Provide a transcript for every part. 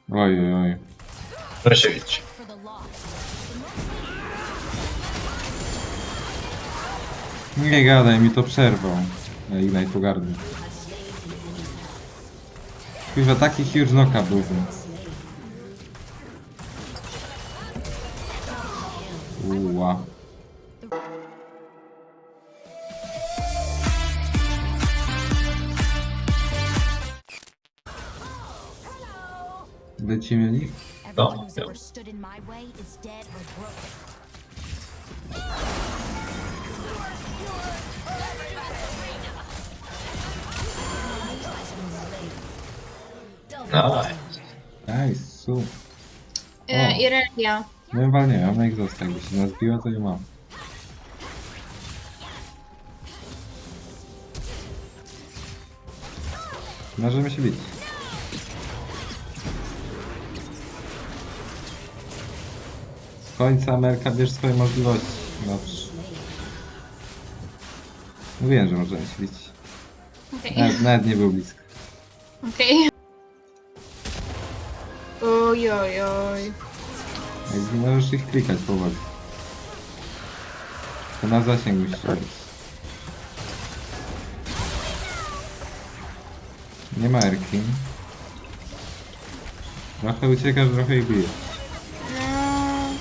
Oj, oj, oj. Proszę widzieć. Nie gadaj, mi to przerwał. Ja Ignite pogardy. Chyba taki huge knockup był. Uła. Lecimy nich? No, Everyone who's ever stood in my way is dead or broken. no. Nice, super. Irelia. No chyba nie, ona ich został. Jakby się nas biła, to ją mam. Możemy się bić. Z końca Ameryka, bierz swoje możliwości. Dobrze. Mówiłem, że możemy się bić. Okej. Nawet nie był blisko. Okej. Oj, oj, oj. Jak możesz ich klikać powoli. To na zasięg musisz robić. Nie ma Erki. Trochę uciekasz, trochę ich bijesz. No...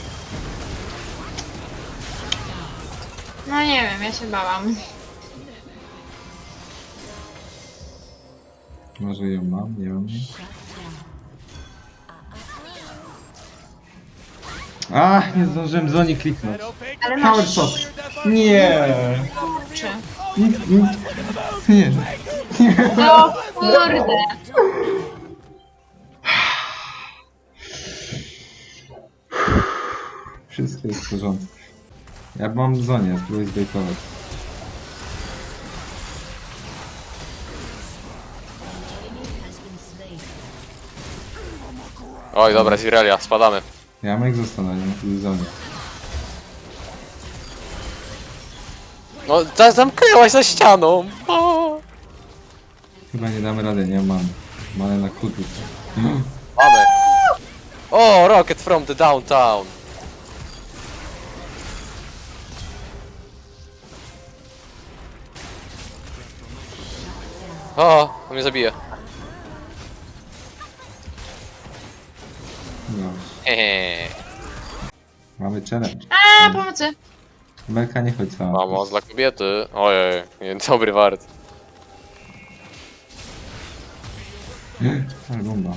No nie wiem, ja się bałam. Może ją mam, nie mam jej. Ach, nie zdążyłem Zoni kliknąć. Ale Power masz... shot. Nie. Czy? Nie. No kurde. Wszystko jest w porządku. Ja mam w zonie, spróbuję zbejtować. Oj, dobra, z Irelia, spadamy. Ja mam jak zostanę w zonie. No, zamknęłaś za ścianą. O, Chyba nie damy rady, nie mam. Mamy na kutu. mamy. O, rocket from the downtown. O, on mnie zabije. No. Hehe. Mamy challenge. A, pomocy. Melka nie chodź sama. Pomoc dla kobiety. Ojej, dobry wart. Ale bomba.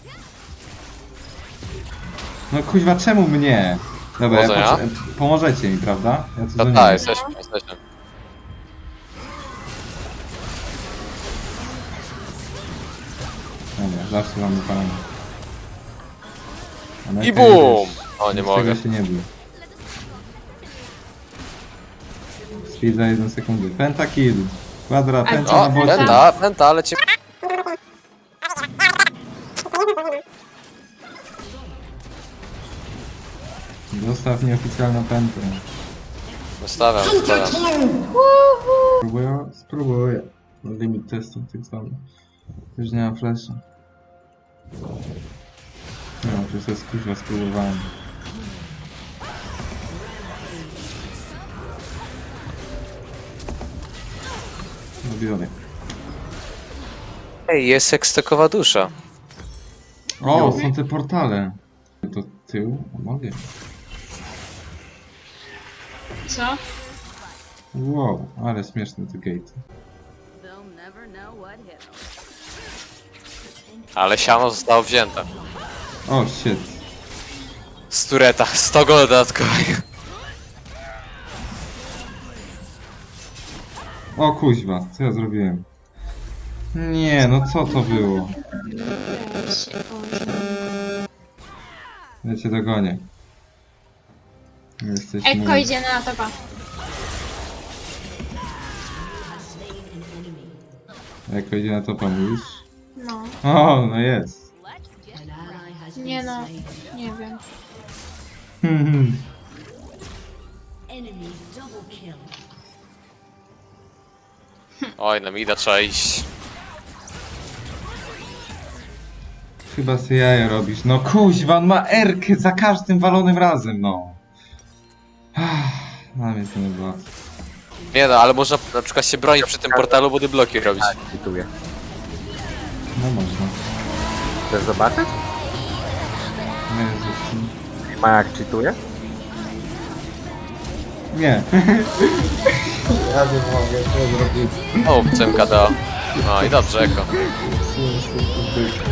No kuźwa, czemu mnie? Dobra, Powodzenia. pomożecie mi, prawda? Ja tu Ta, za ta, nimi. jesteśmy. Dobra, zawsze mamy pana. I bum! O, nie Z mogę. tego się nie bój. Speed za 1 sekundę. Pentakill. Kwadra, penta na O, bocie. penta, ale cię... Zostaw nieoficjalną pętę. Zostawiam. Spróbuję. Limit testów tych samych. Też nie ma flasha. No, przecież to jest kuźwa, spróbowałem. Robiony. Ej, jest sekstokowa dusza. O, są te portale. To tył? Mogę. Co? Wow, ale śmieszne te gate. They'll never know what hit 'em. Ale siano zostało wzięte. O, shit. Z tureta, 100 gold dodatkowych. O kuźwa, co ja zrobiłem? Nie, no co to było? Ja cię dogonię. Jesteś Ekko mój. idzie na topa. Eko idzie na topa, mówisz? No. O, no jest. Nie no. Nie wiem. Oj, na mida trzeba iść. Chyba sobie jaja robisz. No kuźwa, on ma erkę za każdym walonym razem, no. Na mnie to nie była. Nie no, ale można na przykład się bronić przy tym portalu, body bloki robić. Czytuję. No można. Chcesz zobaczyć? Jezu. Ma jak czytuje? Nie. Ja nie mogę, co zrobić. O, CMKDA. No i dobrze, Eko. Słuchaj,